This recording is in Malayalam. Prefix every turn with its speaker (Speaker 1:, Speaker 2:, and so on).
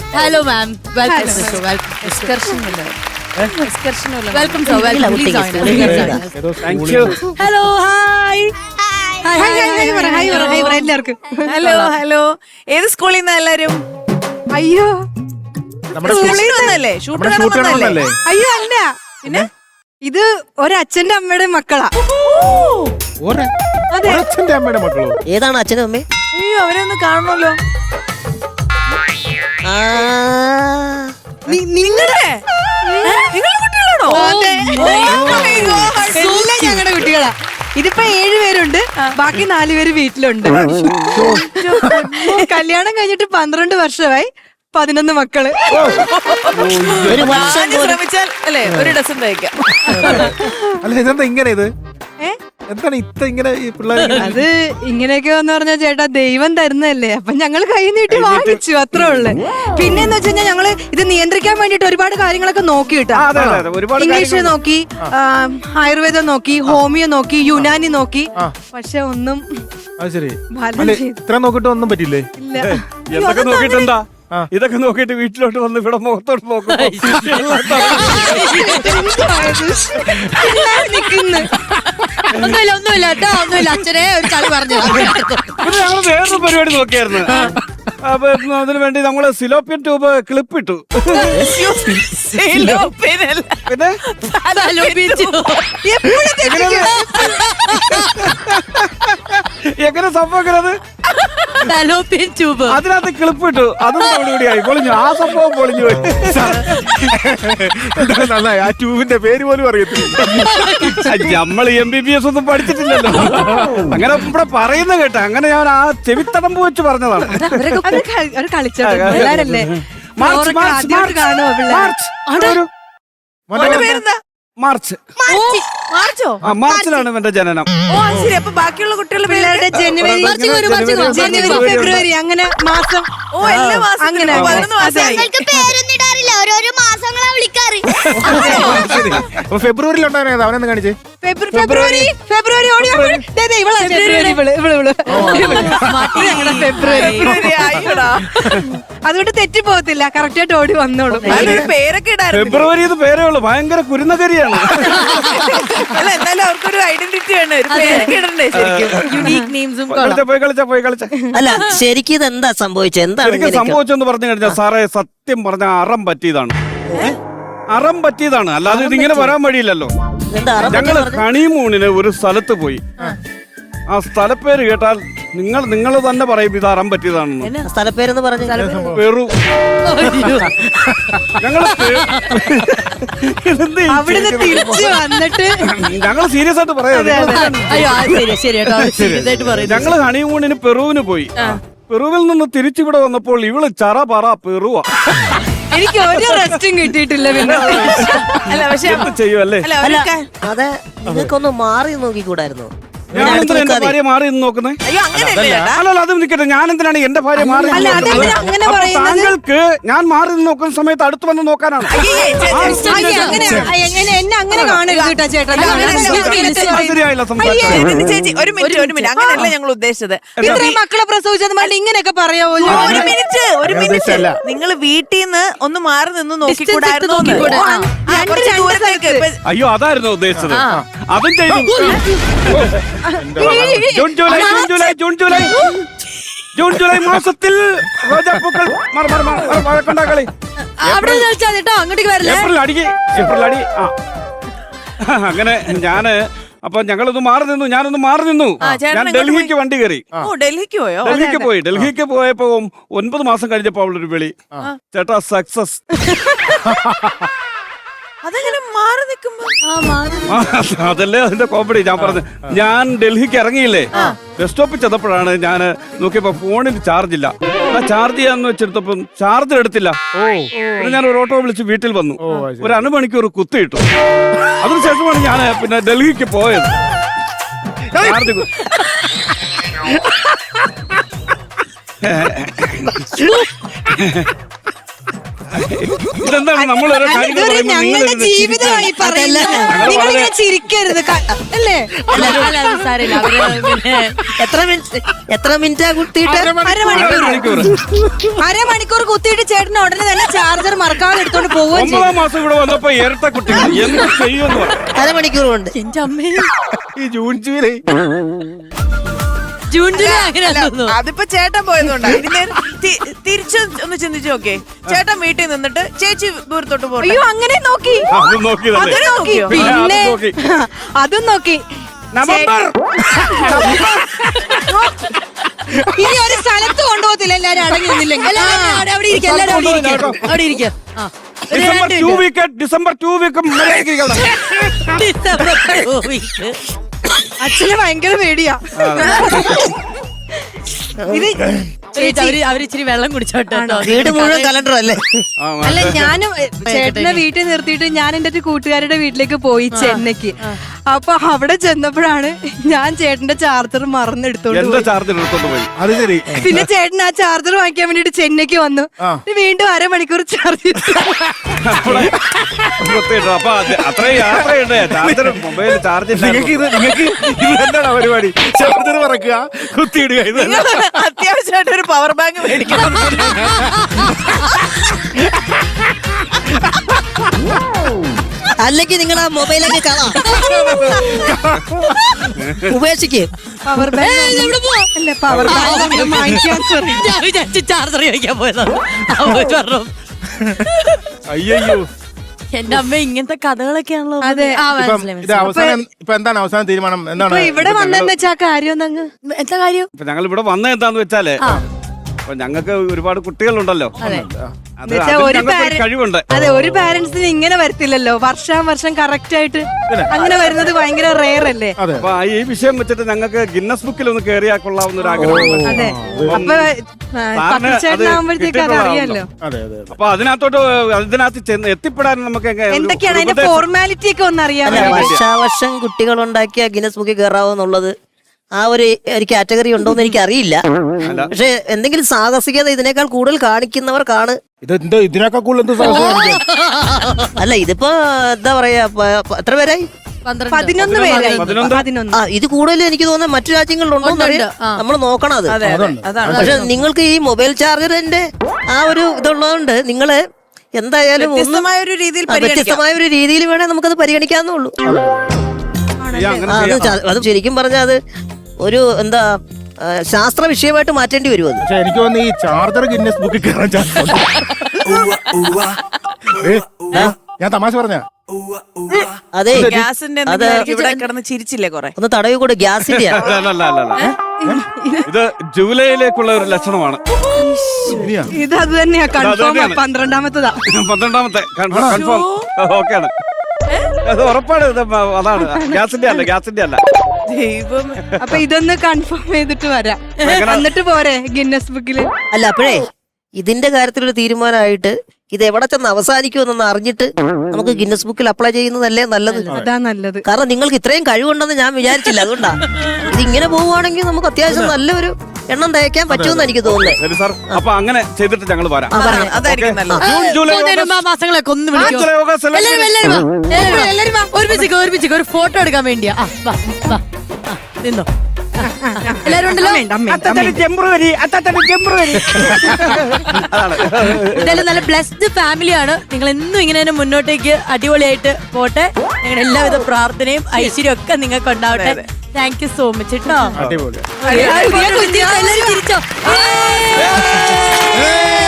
Speaker 1: Hello ma'am, welcome. Welcome sir, welcome.
Speaker 2: Thank you.
Speaker 3: Hello, hi എല്ലാവർക്കും
Speaker 4: ഹലോ ഹലോ. ഏത് സ്കൂളിൽ നിന്നാ എല്ലാരും?
Speaker 3: അയ്യോ
Speaker 4: സ്കൂളിൽ നിന്നല്ലേ? ഷൂട്ട്
Speaker 2: ഷൂട്ട്
Speaker 3: അയ്യോ അല്ല, പിന്നെ ഇത് ഒരച്ഛന്റെ അമ്മയുടെ മക്കളാ.
Speaker 2: അച്ഛന്റെ അമ്മയുടെ മക്കളോ?
Speaker 5: ഏതാണ് അച്ഛനും അമ്മേ?
Speaker 4: അയ്യോ, അവരെ ഒന്ന് കാണണമല്ലോ. നിങ്ങളുടെ കുട്ടികളാണോ?
Speaker 3: എല്ലാം ഞങ്ങളുടെ കുട്ടികളാ. ഇതിപ്പോ 7 പേരുണ്ട്, ബാക്കി 4 പേര് വീട്ടിലുണ്ട്. കല്യാണം കഴിഞ്ഞിട്ട് 12 വർഷമായി, 11 മക്കള്.
Speaker 5: ഒരു വർഷം
Speaker 4: ശ്രമിച്ചാൽ അല്ലേ ഒരു ഡസൻ തയ്ക്കാം.
Speaker 2: അല്ല ഇതെന്താ ഇങ്ങനെ? ഇത് എന്താണ് ഇത്ര ഇങ്ങനെ ഈ പിള്ളേർ?
Speaker 3: അത് ഇങ്ങനെയൊക്കെ എന്ന് പറഞ്ഞാൽ ചേട്ടാ, ദൈവം തരുന്നതല്ലേ, അപ്പൊ ഞങ്ങൾ കൈ നീട്ടി വാങ്ങിച്ചു, അത്രേ ഉള്ളു. പിന്നെന്ന് വെച്ച് കഴിഞ്ഞാൽ ഞങ്ങള് ഇത് നിയന്ത്രിക്കാൻ വേണ്ടിട്ട് ഒരുപാട് കാര്യങ്ങളൊക്കെ നോക്കി കിട്ടാ. ഇംഗ്ലീഷ് നോക്കി, ആയുർവേദം നോക്കി, ഹോമിയോ നോക്കി, യുനാനി നോക്കി, പക്ഷെ ഒന്നും
Speaker 2: ശരി.
Speaker 3: ഫലം
Speaker 2: ഇത്ര നോക്കിട്ട് ഒന്നും പറ്റില്ലേ?
Speaker 3: ഇല്ല.
Speaker 6: എന്തൊക്കെ നോക്കിട്ടെന്താ? ഇതൊക്കെ നോക്കിട്ട് വീട്ടിലോട്ട് വന്ന് ഇവിടെ മുഖത്തോട്ട് നോക്കും.
Speaker 1: ഒന്നുമില്ല കേട്ടോ, ഒന്നുമില്ല. അച്ഛനെ ഒരു കളി പറഞ്ഞു.
Speaker 6: പിന്നെ ഞങ്ങൾ വേറൊരു പരിപാടി നോക്കിയായിരുന്നു. അപ്പൊ അതിനു വേണ്ടി നമ്മള് സിലോപ്പിയൻ ട്യൂബ് ക്ലിപ്പ് ഇട്ടു. പിന്നെ എങ്ങനെ സംഭവം അത്
Speaker 1: ട്യൂബ്
Speaker 6: അതിനകത്ത് ക്ലിപ്പ് ഇട്ടു. അതും കൂടിയായി പൊളിഞ്ഞു. ആ സംഭവം പൊളിഞ്ഞു പോയി.
Speaker 2: നന്നായി. ആ ട്യൂബിന്റെ പേര് പോലും അറിയത്തില്ല.
Speaker 6: നമ്മൾ MBBS ഒന്നും പഠിച്ചിട്ടില്ലല്ലോ. അങ്ങനെ ഇവിടെ പറയുന്ന കേട്ടാ. അങ്ങനെ ഞാൻ ആ ചെവിത്തടമ്പ് വെച്ച് പറഞ്ഞതാണ്.
Speaker 3: അവര് കളിച്ചോ, പിള്ളേരല്ലേ.
Speaker 6: മാർച്ച്
Speaker 3: ആദ്യമായിട്ട് കാണുമോ പിള്ളേർ?
Speaker 6: മാർച്ച്
Speaker 4: മാർച്ചോ?
Speaker 6: മാർച്ചിലാണ് ഇവന്റെ ജനനം.
Speaker 4: ഓ ശരി. അപ്പൊ ബാക്കിയുള്ള കുട്ടികളുടെ
Speaker 3: പിള്ളേരുടെ ജനുവരി, ഫെബ്രുവരി, അങ്ങനെ മാസം.
Speaker 4: ഓ എല്ലാ മാസം
Speaker 3: അങ്ങനെ
Speaker 4: 11 മാസമായി.
Speaker 7: പേരൊന്നിടാറില്ല, ഓരോരോ മാസങ്ങളാ വിളിക്കാറ്.
Speaker 2: അപ്പൊ ഫെബ്രുവരിയിൽ ഉണ്ടായിരുന്നത് അവനെന്ന് കാണിച്ചേ.
Speaker 3: ഫെബ്രുവരി ഓടി ഫെബ്രുവരി.
Speaker 4: ആയിടാ.
Speaker 3: അതുകൊണ്ട് തെറ്റി പോകത്തില്ല, കറക്റ്റ് ആയിട്ട് ഓടി വന്നോളും.
Speaker 4: അതിനൊരു പേരൊക്കെ ഇടാറുണ്ട്.
Speaker 6: ഫെബ്രുവരി പേരേ ഉള്ളൂ. ഭയങ്കര കുരുന്നകരിയാണ്.
Speaker 4: അല്ല എന്നാലും അവർക്കൊരു ഐഡന്റിറ്റി ആണ്. ഒരു പേരൊക്കെ ഇടണ്ടേ ശരിക്കും? യുണീക് നെയിംസും.
Speaker 6: പോയി കളിച്ച
Speaker 5: അല്ല ശരിക്കും ഇത് എന്താ സംഭവിച്ചത്? എന്താണ്
Speaker 6: എനിക്ക് സംഭവിച്ചെന്ന് പറഞ്ഞു കഴിഞ്ഞാൽ സാറേ, സത്യം പറഞ്ഞ അറം പറ്റിയതാണ്. അറം പറ്റിയതാണ്, അല്ലാതെ ഇതിങ്ങനെ വരാൻ വഴിയില്ലല്ലോ. ഞങ്ങള് ഹണിമൂണിന് ഒരു സ്ഥലത്ത് പോയി. ആ സ്ഥലപ്പേര് കേട്ടാൽ നിങ്ങൾ തന്നെ പറയും ഇത് അറം പറ്റിയതാണെന്ന്.
Speaker 5: സ്ഥലപ്പേരെന്ന് പറഞ്ഞു?
Speaker 6: പെറു. ഞങ്ങള്
Speaker 3: അവിടുന്ന് തിരിച്ചു വന്നിട്ട്
Speaker 6: ഞങ്ങള് സീരിയസ് ആയിട്ട് പറയാം. ഞങ്ങള് ഹണിമൂണിന് പെറുവിന് പോയി. പെറുവിൽ നിന്ന് തിരിച്ചിവിടെ വന്നപ്പോൾ ഇവള് ചറ പറ പെറുവാ.
Speaker 3: എനിക്ക് ഒരു റെസ്റ്റും കിട്ടിയിട്ടില്ല. പിന്നെ
Speaker 4: അല്ല പക്ഷെ
Speaker 6: ചെയ്യും അല്ലേ?
Speaker 5: അതെ, നിങ്ങൾക്കൊന്ന് മാറി നോക്കിക്കൂടായിരുന്നു?
Speaker 6: ഞാൻ എന്തിനാ എന്റെ ഭാര്യ മാറി നിന്ന് നോക്കുന്നേ?
Speaker 4: അയ്യോ അങ്ങനെയല്ലേ ചേട്ടാ?
Speaker 6: അല്ലല്ല, അത് നിൽക്കട്ടെ. ഞാൻ എന്തിനാണ് എന്റെ ഭാര്യ മാറി നിന്ന്
Speaker 3: അല്ല,
Speaker 6: നോക്കുന്നത്?
Speaker 3: അതെന്തിനാ അങ്ങനെ
Speaker 6: അപ്പൊ
Speaker 3: പറയുന്നത്?
Speaker 6: താങ്കൾക്ക് ഞാൻ മാറി നിന്ന് നോക്കുന്ന സമയത്ത് അടുത്ത് വന്ന് നോക്കാനാണ്.
Speaker 3: എന്നെ അങ്ങനെ കാണരുത് കേട്ടോ ചേട്ടാ.
Speaker 6: ശരിയായില്ല സംസാരിച്ചത്.
Speaker 4: ചേച്ചി ഒരു മിനിറ്റ് അങ്ങനെയല്ല ഞങ്ങൾ ഉദ്ദേശിച്ചത്.
Speaker 3: ഇത്രയും മക്കളെ പ്രസവിച്ചത് മതി ഇങ്ങനെയൊക്കെ പറയാവോ?
Speaker 4: ഒരു മിനിറ്റ് നിങ്ങൾ വീട്ടിൽ നിന്ന് ഒന്ന് മാറി നിന്ന് നോക്കിക്കൂടായിരുന്നു?
Speaker 6: അയ്യോ, അതായിരുന്നു ഉദ്ദേശിച്ചത്. അതും ചെയ്തു. ജൂൺ ജൂലൈ മാസത്തിൽ റോജാപ്പൂക്കൾ കളി
Speaker 1: അവിടെ കേട്ടോ, അങ്ങോട്ടേക്ക് വരില്ല.
Speaker 6: ഏപ്രിൽ അടി. അങ്ങനെ അപ്പൊ ഞങ്ങളൊന്ന് മാറി നിന്നു. ഞാനൊന്ന് മാറി നിന്നു. ഞാൻ ഡൽഹിക്ക് വണ്ടി കയറി.
Speaker 4: ഡൽഹിക്ക് പോയോ?
Speaker 6: ഡൽഹിക്ക് പോയപ്പോ 9 മാസം കഴിഞ്ഞപ്പോ അവളൊരു വിളി, ചേട്ടാ സക്സസ്.
Speaker 4: അതെങ്ങനെ മാറി നിൽക്കുമ്പോ?
Speaker 6: അതല്ലേ അതിന്റെ കോമഡി. ഞാൻ പറഞ്ഞു, ഞാൻ ഡൽഹിക്ക് ഇറങ്ങിയില്ലേ, ബസ് സ്റ്റോപ്പിൽ ചെന്നപ്പോഴാണ് ഞാൻ നോക്കിയപ്പോ ഫോണിന് ചാർജ് ഇല്ല. ചാർജ് ചെയ്യാന്ന് വെച്ചെടുത്തപ്പോ ചാർജർ എടുത്തില്ല. ഞാൻ ഒരു ഓട്ടോ വിളിച്ച് വീട്ടിൽ വന്നു. ഒരു 1 മണിക്കൂർ കുത്തിയിട്ടു. അതിനുശേഷമാണ് ഞാൻ പിന്നെ ഡൽഹിക്ക് പോയത്. ചാർജ് ഇതെന്താണ് നമ്മൾ ഓരോ കാര്യങ്ങൾ
Speaker 3: ഇതൊരു
Speaker 6: പറയുമ്പോൾ നിങ്ങൾ
Speaker 3: ഞങ്ങളുടെ
Speaker 6: ഇരുന്ന്
Speaker 3: ജീവിതമാണ് ഈ പറയുന്നത്.
Speaker 6: ഞങ്ങൾ
Speaker 3: നിങ്ങളിങ്ങനെ
Speaker 6: വളരെ-
Speaker 3: ചിരിക്കരുത് അല്ലേ?
Speaker 1: സാരമില്ല അവര് പിന്നെ
Speaker 5: എത്ര മിനിറ്റാ കുത്തിയിട്ട്
Speaker 3: അരമണിക്കൂർ. അരമണിക്കൂർ കുത്തിയിട്ട് ചേട്ടന് ഉടനെ തന്നെ ചാർജർ മറക്കാതെ എടുത്തോണ്ട് പോവുകയും ചെയ്യും.
Speaker 6: 9 മാസം ഇവിടെ വന്നപ്പോ ഇരട്ട കുട്ടികൾ എന്ത് ചെയ്യുമെന്ന് പറയാം.
Speaker 5: അരമണിക്കൂർ കൊണ്ട്
Speaker 1: എന്റെ അമ്മേ
Speaker 2: ഈ ജൂൺ ജൂലൈ
Speaker 1: ജൂൺ ജൂലൈ അങ്ങനെ തോന്നുന്നു.
Speaker 4: അതിപ്പോ ചേട്ടൻ പോയതുകൊണ്ടാ. ഇതിനെ തിരിച്ചു ഒന്ന് ചിന്തിച്ചു നോക്കേ. ചേട്ടൻ വീട്ടിൽ നിന്നിട്ട് ചേച്ചി ദൂരത്തോട്ട് പോയി.
Speaker 3: അയ്യോ അങ്ങനെ നോക്കി.
Speaker 6: അതും നോക്കിയതല്ലേ
Speaker 3: അതും നോക്കി.
Speaker 6: പിന്നെ അതും
Speaker 3: പിന്നെ
Speaker 6: നോക്കി.
Speaker 3: അതും നോക്കി.
Speaker 6: നവംബർ
Speaker 3: ഇനി ഒരു സ്ഥലത്ത് കൊണ്ടുപോകത്തില്ല എല്ലാരും അടങ്ങി നിന്നില്ലെങ്കിൽ.
Speaker 1: അവിടെ ഇരിക്കും എല്ലാരും അവിടെ ഇരിക്കും അവിടെ ഇരിക്കും ആ ഒരു
Speaker 6: ഡിസംബർ
Speaker 1: രണ്ട്
Speaker 6: 2 week December 2 week
Speaker 1: December 2 week.
Speaker 3: അച്ഛന് ഭയങ്കര പേടിയാ. ഇത്
Speaker 1: ചേച്ചി, അവര് ഇച്ചിരി വെള്ളം കുടിച്ചോട്ടെ കേട്ടോ.
Speaker 5: വീട് മുഴുവൻ കലണ്ടർ അല്ലേ?
Speaker 3: അല്ല ഞാനും ചേട്ടനെ വീട്ടിൽ നിർത്തിയിട്ട് ഞാൻ എന്റെ ഒരു കൂട്ടുകാരുടെ വീട്ടിലേക്ക് പോയി ചെന്നൈക്ക്. അപ്പൊ അവിടെ ചെന്നപ്പോഴാണ് ഞാൻ ചേട്ടന്റെ ചാർജർ മറന്നെടുത്തോണ്ട്
Speaker 6: എന്റെ
Speaker 3: പോയി.
Speaker 6: ചാർജർ എടുത്തോണ്ട് പോയി.
Speaker 2: അത് ശരി.
Speaker 3: പിന്നെ ചേട്ടൻ ആ ചാർജർ വാങ്ങിക്കാൻ വേണ്ടിട്ട് ചെന്നൈക്ക് വന്നു. വീണ്ടും അരമണിക്കൂർ ചാർജ്
Speaker 6: പ്രത്യേകിച്ച് അപ്പൊ അത്രയും യാത്രയുണ്ട്. ചാർജർ മൊബൈൽ ചാർജ്
Speaker 2: നിങ്ങൾക്ക് ഇത് എന്താണ് പരിപാടി? ചാർജർ പറക്കുക, കുത്തിയിടുക, ഇത് തന്നെ.
Speaker 4: അത്യാവശ്യമായിട്ട് ഒരു പവർ ബാങ്ക് മേടിക്കണം.
Speaker 5: അല്ലെങ്കിൽ നിങ്ങൾ ആ മൊബൈലൊക്കെ കാണാം, ഉപേക്ഷിക്ക്.
Speaker 3: പവർ ബാങ്ക് അല്ല പവർ ബാങ്ക് വാങ്ങിക്കാൻ പറയും.
Speaker 1: ഞാൻ വിചാരിച്ചു ചാർജർ ചോദിക്കാൻ പോയതാണ്. അവര് പറഞ്ഞു
Speaker 2: അയ്യോ
Speaker 1: എന്റെ അമ്മ ഇങ്ങനത്തെ കഥകളൊക്കെയാണല്ലോ.
Speaker 3: അതെ.
Speaker 1: ആ
Speaker 2: ഇപ്പം
Speaker 1: മനസ്സിലായി
Speaker 2: ഇത് അവസാനം ഇപ്പൊ എന്താണ് അവസാന തീരുമാനം? എന്താണ്
Speaker 3: അപ്പൊ ഇവിടെ വന്നെന്ന് വെച്ചാ കാര്യം ഒന്നങ്ങ്
Speaker 1: എന്താ കാര്യം?
Speaker 6: ഇപ്പൊ ഞങ്ങൾ ഇവിടെ വന്നത് എന്താന്ന് വെച്ചാല് അപ്പൊ ഞങ്ങൾക്ക് ഒരുപാട് കുട്ടികളുണ്ടല്ലോ. അത്
Speaker 3: എന്നുവെച്ചാ
Speaker 6: അതിൽ
Speaker 3: ഒരു
Speaker 6: ഞങ്ങൾക്കൊരു
Speaker 3: parent-
Speaker 6: കഴിവുണ്ട്.
Speaker 3: അതെ ഒരു പാരന്റ്സിന് ഇങ്ങനെ വരത്തില്ലല്ലോ. വർഷം കറക്റ്റ് ആയിട്ട് അങ്ങനെ വരുന്നത് ഭയങ്കര റെയർ അല്ലേ?
Speaker 2: അതെ.
Speaker 6: അപ്പൊ ഈ വിഷയം വെച്ചിട്ട് ഞങ്ങൾക്ക് ഗിന്നസ് ബുക്കിൽ ഒന്ന് കയറിയാ കൊള്ളാവുന്ന ഒരു ആഗ്രഹം.
Speaker 3: അതെ. അപ്പൊ പത്രച്ചേട്ടനാകുമ്പോഴത്തേക്ക് അത് അറിയാലോ.
Speaker 2: അതെ അതെ അതെ.
Speaker 6: അപ്പൊ അതിനകത്ത് ചെന്ന് എത്തിപ്പെടാൻ നമുക്ക്
Speaker 3: എന്തൊക്കെയാണ് അതിന്റെ ഫോർമാലിറ്റി ഒക്കെ ഒന്ന് അറിയാൻ
Speaker 5: അല്ല, വർഷാവർഷം കുട്ടികൾ ഉണ്ടാക്കിയ ഗിനസ് ബുക്കിൽ കയറാവുന്നുള്ളത് ആ ഒരു കാറ്റഗറി ഉണ്ടോന്ന് എനിക്ക് അറിയില്ല. പക്ഷെ എന്തെങ്കിലും സാഹസികത ഇതിനേക്കാൾ കൂടുതൽ കാണിക്കുന്നവർക്കാണ്.
Speaker 2: ഇതെന്താ ഇതിനൊക്കെ കൂടുതൽ എന്ത് സാഹസം കാണിക്കാൻ?
Speaker 5: അല്ല ഇതിപ്പോ എന്താ പറയാ, എത്ര പേരായി?
Speaker 3: 11 പേരായി. 11.
Speaker 5: ആ ഇത് കൂടുതൽ എനിക്ക് തോന്നുന്നത് മറ്റു രാജ്യങ്ങളിലുണ്ടോന്ന് അറിയാം. നമ്മൾ നോക്കണം അത്.
Speaker 4: അതെ അതാണ്.
Speaker 5: പക്ഷെ നിങ്ങൾക്ക് ഈ മൊബൈൽ ചാർജറിന്റെ ആ ഒരു ഇതുള്ളതുകൊണ്ട് നിങ്ങള് എന്തായാലും ഒന്ന്
Speaker 4: വ്യത്യസ്തമായ ഒരു രീതിയിൽ പരിഗണിക്കാം.
Speaker 5: വ്യത്യസ്തമായ ഒരു രീതിയിൽ വേണേ നമുക്കത് പരിഗണിക്കാവുന്നേ ഉള്ളൂ. അത് ശരിക്കും പറഞ്ഞാൽ അത് ഒരു എന്താ ശാസ്ത്ര വിഷയമായിട്ട് മാറ്റേണ്ടി വരും അത്.
Speaker 2: പക്ഷെ എനിക്ക് തോന്നുന്നു ഈ ചാർജർ ഗിന്നസ് ബുക്കിൽ കയറാൻ ചാൻസ് ഉണ്ട്. ഞാൻ തമാശ പറഞ്ഞ
Speaker 5: അതെ
Speaker 4: ഗ്യാസിന്റെ
Speaker 5: അത്
Speaker 4: ഇവിടെ കിടന്ന് ചിരിച്ചില്ലേ കൊറേ.
Speaker 5: ഒന്ന് തടവി കൂടെ ഗ്യാസിന്റെ
Speaker 6: അല്ല ഇത് ജൂലൈയിലേക്കുള്ള ഒരു ലക്ഷണമാണ്.
Speaker 3: ഇത് അത് തന്നെയാ കൺഫേം.
Speaker 6: തന്നെയാണ്.
Speaker 3: 12ാമത്തതാ.
Speaker 6: 12ാമത്തെ കൺഫേം ഓക്കെയാണ്. അത് ഉറപ്പാണ്. ഇത് അതാണ് ഗ്യാസിന്റെ അല്ല.
Speaker 4: ദൈവം.
Speaker 3: അപ്പൊ ഇതൊന്ന് കൺഫേം ചെയ്തിട്ട് വരാം. എന്നിട്ട് പോരെ ഗിന്നസ് ബുക്കില്.
Speaker 5: അല്ല അപ്പോഴേ ഇതിന്റെ കാര്യത്തിലൊരു തീരുമാനമായിട്ട് ഇത് എവിടെ ചെന്ന് അവസാനിക്കുമെന്നൊന്ന് അറിഞ്ഞിട്ട് നമുക്ക് ഗിന്നസ് ബുക്കിൽ അപ്ലൈ ചെയ്യുന്നതല്ലേ നല്ലത്.
Speaker 3: അതാ നല്ലത്.
Speaker 5: കാരണം നിങ്ങൾക്ക് ഇത്രയും കഴിവുണ്ടെന്ന് ഞാൻ വിചാരിച്ചില്ല. അതുകൊണ്ടാ ഇതിങ്ങനെ പോവുകയാണെങ്കിൽ നമുക്ക് അത്യാവശ്യം നല്ലൊരു എണ്ണം തയ്ക്കാൻ പറ്റുമെന്ന് എനിക്ക് തോന്നുന്നത്.
Speaker 6: ശരി സാർ, അപ്പൊ അങ്ങനെ ചെയ്തിട്ട് ഞങ്ങൾ വരാം.
Speaker 4: അതായിരിക്കും നല്ലത്.
Speaker 6: ജൂൺ ജൂലൈ
Speaker 1: പോകുന്നതിന് മുമ്പ് ആ മാസങ്ങളൊക്കെ ഒന്ന് വിളിക്കോ.
Speaker 6: ജൂലൈ ഓഗസ്റ്റ്
Speaker 1: എല്ലാരും വാ. ഒരുമിച്ച് ഒരു ഫോട്ടോ എടുക്കാൻ വേണ്ടിയാ. വാ നിന്നോ. എല്ലാരും ഉണ്ടല്ലോ. എന്തായാലും നല്ല ബ്ലെസ്ഡ് ഫാമിലിയാണ്. നിങ്ങൾ എന്നും ഇങ്ങനെ തന്നെ മുന്നോട്ടേക്ക് അടിപൊളിയായിട്ട് പോട്ടെ. ഞങ്ങളുടെ എല്ലാവിധ പ്രാർത്ഥനയും ഐശ്വര്യം ഒക്കെ നിങ്ങൾക്ക് ഉണ്ടാവട്ടെ. താങ്ക് യു സോ മച്ച് കേട്ടോ.
Speaker 2: അടിപൊളി.
Speaker 1: എല്ലാരും ചിരിച്ചോ.